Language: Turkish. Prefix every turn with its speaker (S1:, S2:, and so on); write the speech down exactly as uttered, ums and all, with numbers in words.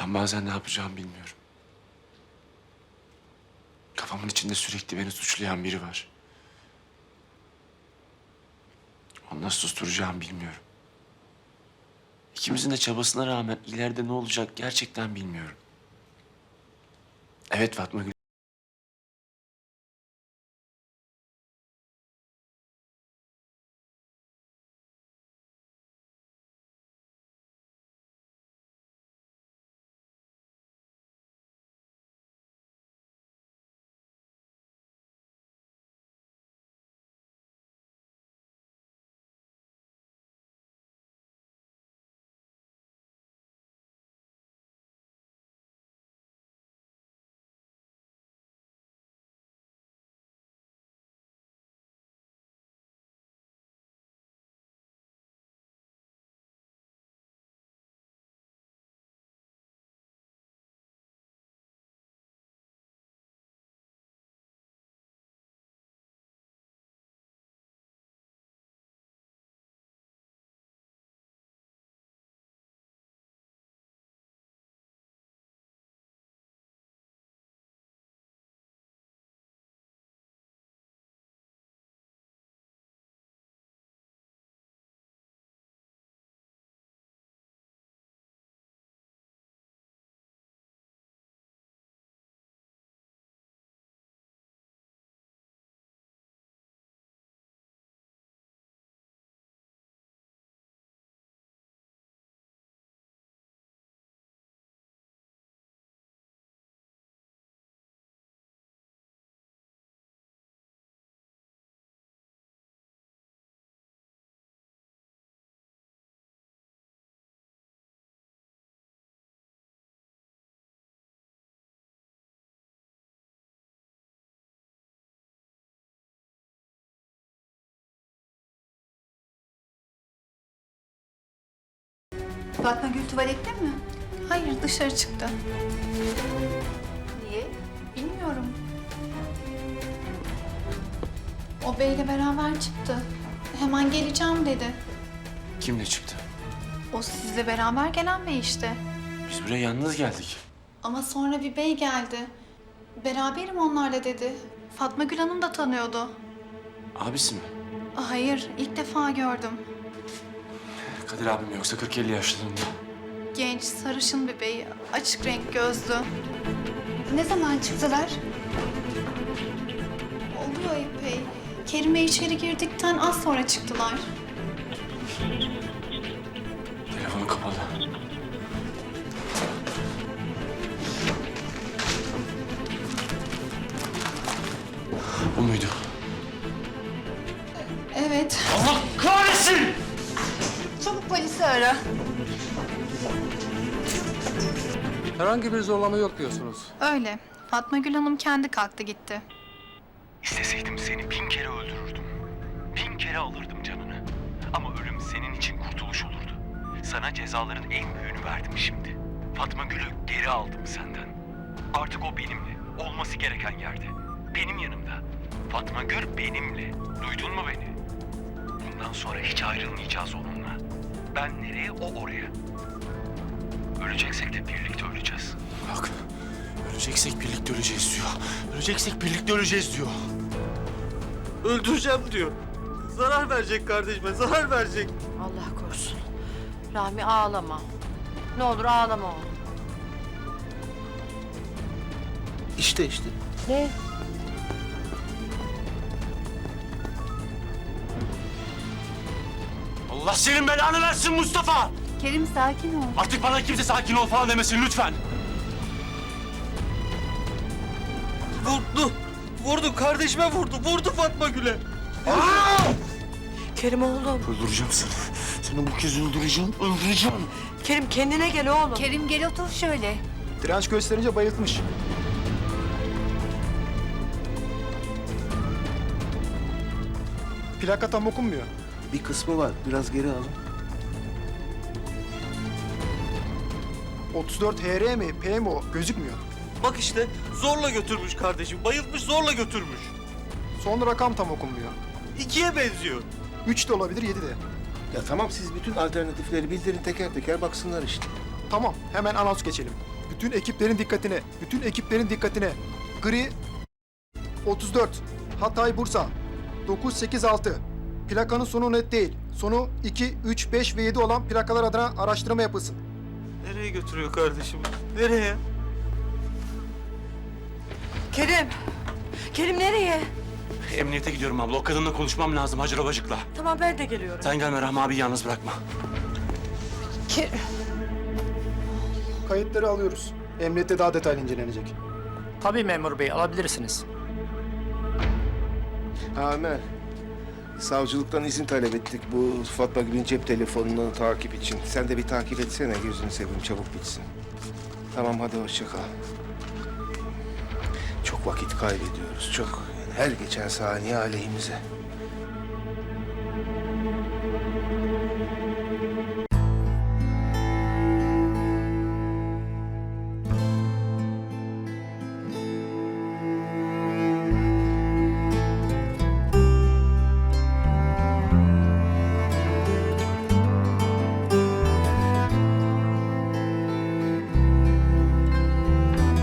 S1: Ben bazen ne yapacağımı bilmiyorum. Kafamın içinde sürekli beni suçlayan biri var. Onu nasıl susturacağımı bilmiyorum. İkimizin de çabasına rağmen ileride ne olacak gerçekten bilmiyorum. Evet Fatma Gül.
S2: Fatma Gül tuvalette mi?
S3: Hayır, dışarı çıktı.
S2: Niye?
S3: Bilmiyorum. O beyle beraber çıktı. Hemen geleceğim dedi.
S1: Kimle çıktı?
S3: O sizle beraber gelen bey işte.
S1: Biz buraya yalnız geldik.
S3: Ama sonra bir bey geldi. Beraberim onlarla dedi. Fatma Gül Hanım da tanıyordu.
S1: Abisi mi?
S3: Hayır, ilk defa gördüm.
S1: Kadir abim yoksa kırk elli yaşlarında.
S3: Genç, sarışın bir bey, açık renk gözlü.
S2: Ne zaman çıktılar?
S3: Oluyor epey. Kerime içeri girdikten az sonra çıktılar.
S1: Telefonu kapalı. Bu muydu?
S3: Evet.
S1: Allah kahretsin!
S3: Çabuk polisi ara.
S4: Herhangi bir zorlama yok diyorsunuz.
S3: Öyle. Fatma Gül Hanım kendi kalktı gitti.
S5: İsteseydim seni bin kere öldürürdüm. Bin kere alırdım canını. Ama ölüm senin için kurtuluş olurdu. Sana cezaların en büyüğünü verdim şimdi. Fatma Gül'ü geri aldım senden. Artık o benimle, olması gereken yerde. Benim yanımda. Fatma Gül benimle. Duydun mu beni? Bundan sonra hiç ayrılmayacağız onunla. Ben nereye, o oraya. Öleceksek de birlikte öleceğiz.
S1: Bak, öleceksek birlikte öleceğiz diyor. Öleceksek birlikte öleceğiz diyor.
S6: Öldüreceğim diyor. Zarar verecek kardeşime, zarar verecek.
S7: Allah korusun. Rahmi ağlama. Ne olur ağlama oğlum.
S6: İşte işte.
S7: Ne?
S1: Allah senin belanı versin Mustafa!
S2: Kerim sakin ol.
S1: Artık bana kimse sakin ol falan demesin lütfen.
S6: Vurdu. Vurdu, kardeşime vurdu. Vurdu Fatma Gül'e.
S7: Kerim oğlum.
S1: Öldüreceğim seni. Seni bu kez öldüreceğim, öldüreceğim.
S7: Kerim kendine gel oğlum.
S2: Kerim gel otur şöyle.
S8: Direnç gösterince bayıltmış. Plaka tam okunmuyor.
S6: Bir kısmı var, biraz geri alın.
S8: otuz dört H R mi, P mi o? Gözükmüyor.
S6: Bak işte, zorla götürmüş kardeşim. Bayıltmış, zorla götürmüş.
S8: Son rakam tam okunmuyor.
S6: İkiye benziyor.
S8: üç de olabilir, yedi de.
S9: Ya tamam siz bütün alternatifleri bildirin teker teker baksınlar işte.
S8: Tamam, hemen anons geçelim. Bütün ekiplerin dikkatine, bütün ekiplerin dikkatine. Gri otuz dört, Hatay Bursa dokuz sekiz altı. Plakanın sonu net değil. Sonu iki, üç, beş ve yedi olan plakalar adına araştırma yapılsın.
S6: Nereye götürüyor kardeşim? Nereye?
S7: Kerim. Kerim nereye?
S1: Emniyete gidiyorum abla. O kadınla konuşmam lazım Hacer Obacık'la.
S7: Tamam ben de geliyorum.
S1: Sen gelme Rahmi abi yalnız bırakma.
S7: Kerim.
S8: Kayıtları alıyoruz. Emniyette daha detaylı incelenecek.
S9: Tabii memur bey, alabilirsiniz.
S10: Amer, savcılıktan izin talep ettik bu Fatma Gül'ün cep telefonunu takip için. Sen de bir takip etsene, gözünü seveyim, çabuk bitsin. Tamam, hadi hoşça kal. Çok vakit kaybediyoruz, çok. Yani her geçen saniye aleyhimize.